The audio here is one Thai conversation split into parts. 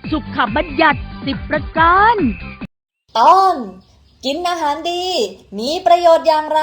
สุขบัญญัติ10 ประการตอนกินอาหารดีมีประโยชน์อย่างไร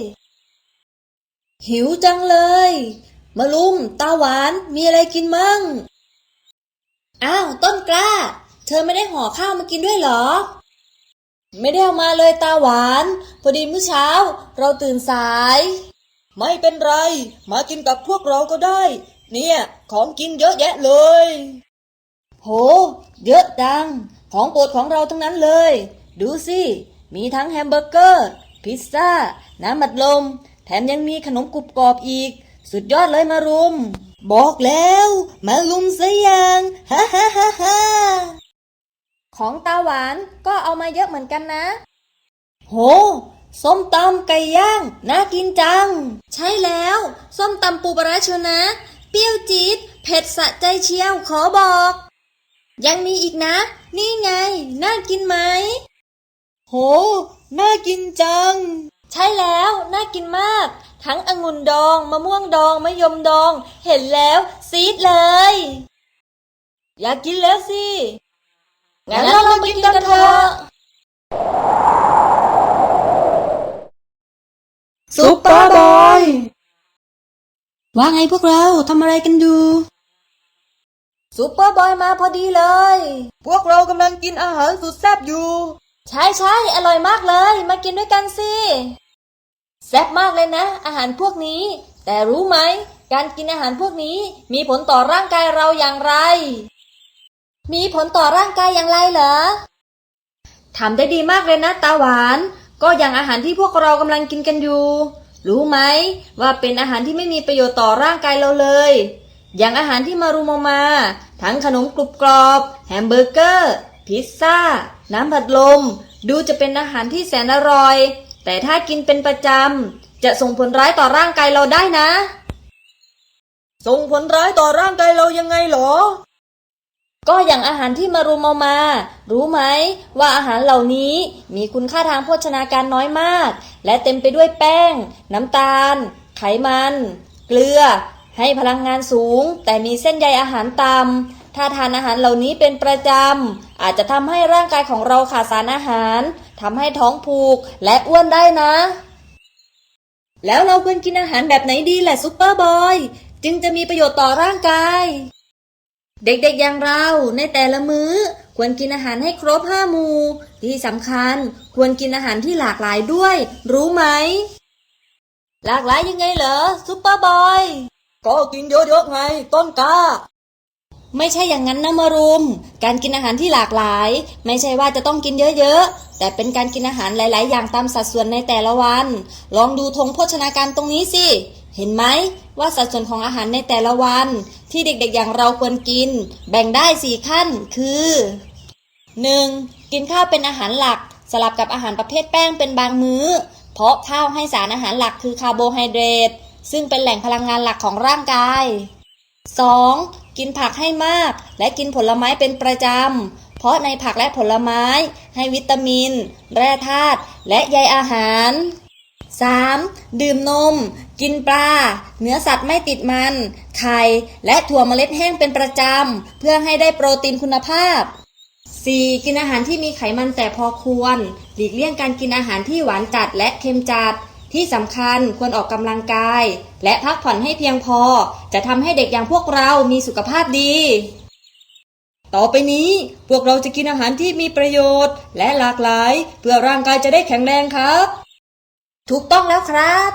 หิวจังเลยมาลุมตาหวานมีอะไรกินมั่งอ้าวต้นกล้าเธอไม่ได้ห่อข้าวมากินด้วยเหรอไม่ได้เอามาเลยตาหวานพอดีเมื่อเช้าเราตื่นสายไม่เป็นไรมากินกับพวกเราก็ได้เนี่ยของกินเยอะแยะเลยโหเยอะจังของโปรดของเราทั้งนั้นเลยดูสิมีทั้งแฮมเบอร์เกอร์พิซซ่าน้ำอัดลมแถมยังมีขนมกรุบกรอบอีกสุดยอดเลยมารุมบอกแล้วมารุมซะยังฮ่าฮ่าฮ่าฮ่าของตาหวานก็เอามาเยอะเหมือนกันนะโหส้มตำไก่ย่างน่ากินจังใช่แล้วส้มตำปูปลาร้าเชียวนะเปรี้ยวจี๊ดเผ็ดสะใจเชียวขอบอกยังมีอีกนะนี่ไงน่ากินไหมโหน่ากินจังใช่แล้วน่ากินมากทั้งองุ่นดองมะม่วงดองมะยมดองเห็นแล้วซีดเลยอยากกินแล้วสิงั้นเรามากินกันเถอะซุปเปอร์บอยว่าไงพวกเราทำอะไรกันอยู่ซุปเปอร์บอยมาพอดีเลยพวกเรากำลังกินอาหารสุดแซ่บอยู่ใช่อร่อยมากเลยมากินด้วยกันสิแซ่บมากเลยนะอาหารพวกนี้แต่รู้ไหมการกินอาหารพวกนี้มีผลต่อร่างกายเราอย่างไรมีผลต่อร่างกายอย่างไรเหรอทำได้ดีมากเลยนะตาหวานก็อย่างอาหารที่พวกเรากำลังกินกันอยู่รู้ไหมว่าเป็นอาหารที่ไม่มีประโยชน์ต่อร่างกายเราเลยอย่างอาหารที่มารุมมาทั้งขนมกรุบกรอบแฮมเบอร์เกอร์พิซซ่าน้ำผัดลมดูจะเป็นอาหารที่แสนอร่อยแต่ถ้ากินเป็นประจำจะส่งผลร้ายต่อร่างกายเราได้นะส่งผลร้ายต่อร่างกายเรายังไงหรอก็อย่างอาหารที่มารุมมารู้ไหมว่าอาหารเหล่านี้มีคุณค่าทางโภชนาการน้อยมากและเต็มไปด้วยแป้งน้ำตาลไขมันเกลือให้พลังงานสูงแต่มีเส้นใยอาหารต่ำถ้าทานอาหารเหล่านี้เป็นประจำอาจจะทำให้ร่างกายของเราขาดสารอาหารทำให้ท้องผูกและอ้วนได้นะแล้วเราควรกินอาหารแบบไหนดีแหละซุปเปอร์บอยจึงจะมีประโยชน์ต่อร่างกายเด็กๆอย่างเราในแต่ละมื้อควรกินอาหารให้ครบ5 หมู่ที่สำคัญควรกินอาหารที่หลากหลายด้วยรู้ไหมหลากหลายยังไงเหรอซุปเปอร์บอยก็กินเยอะๆไงต้นกล้าไม่ใช่อย่างนั้นนะมารุมการกินอาหารที่หลากหลายไม่ใช่ว่าจะต้องกินเยอะๆแต่เป็นการกินอาหารหลายๆอย่างตามสัดส่วนในแต่ละวันลองดูธงโภชนาการตรงนี้สิเห็นไหมว่าสัดส่วนของอาหารในแต่ละวันที่เด็กๆอย่างเราควรกินแบ่งได้4 ขั้นคือ 1. กินข้าวเป็นอาหารหลักสลับกับอาหารประเภทแป้งเป็นบางมื้อเพราะข้าวให้สารอาหารหลักคือคาร์โบไฮเดรตซึ่งเป็นแหล่งพลังงานหลักของร่างกาย 2. กินผักให้มากและกินผลไม้เป็นประจำเพราะในผักและผลไม้ให้วิตามินแร่ธาตุและใยอาหาร 3. ดื่มนมกินปลาเนื้อสัตว์ไม่ติดมันไข่และถั่วเมล็ดแห้งเป็นประจำเพื่อให้ได้โปรตีนคุณภาพ 4. กินอาหารที่มีไขมันแต่พอควรหลีกเลี่ยงการกินอาหารที่หวานจัดและเค็มจัดที่สำคัญควรออกกำลังกายและพักผ่อนให้เพียงพอจะทำให้เด็กอย่างพวกเรามีสุขภาพดีต่อไปนี้พวกเราจะกินอาหารที่มีประโยชน์และหลากหลายเพื่อร่างกายจะได้แข็งแรงครับถูกต้องแล้วครับ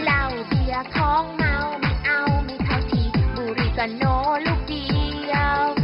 โนลูกเดียว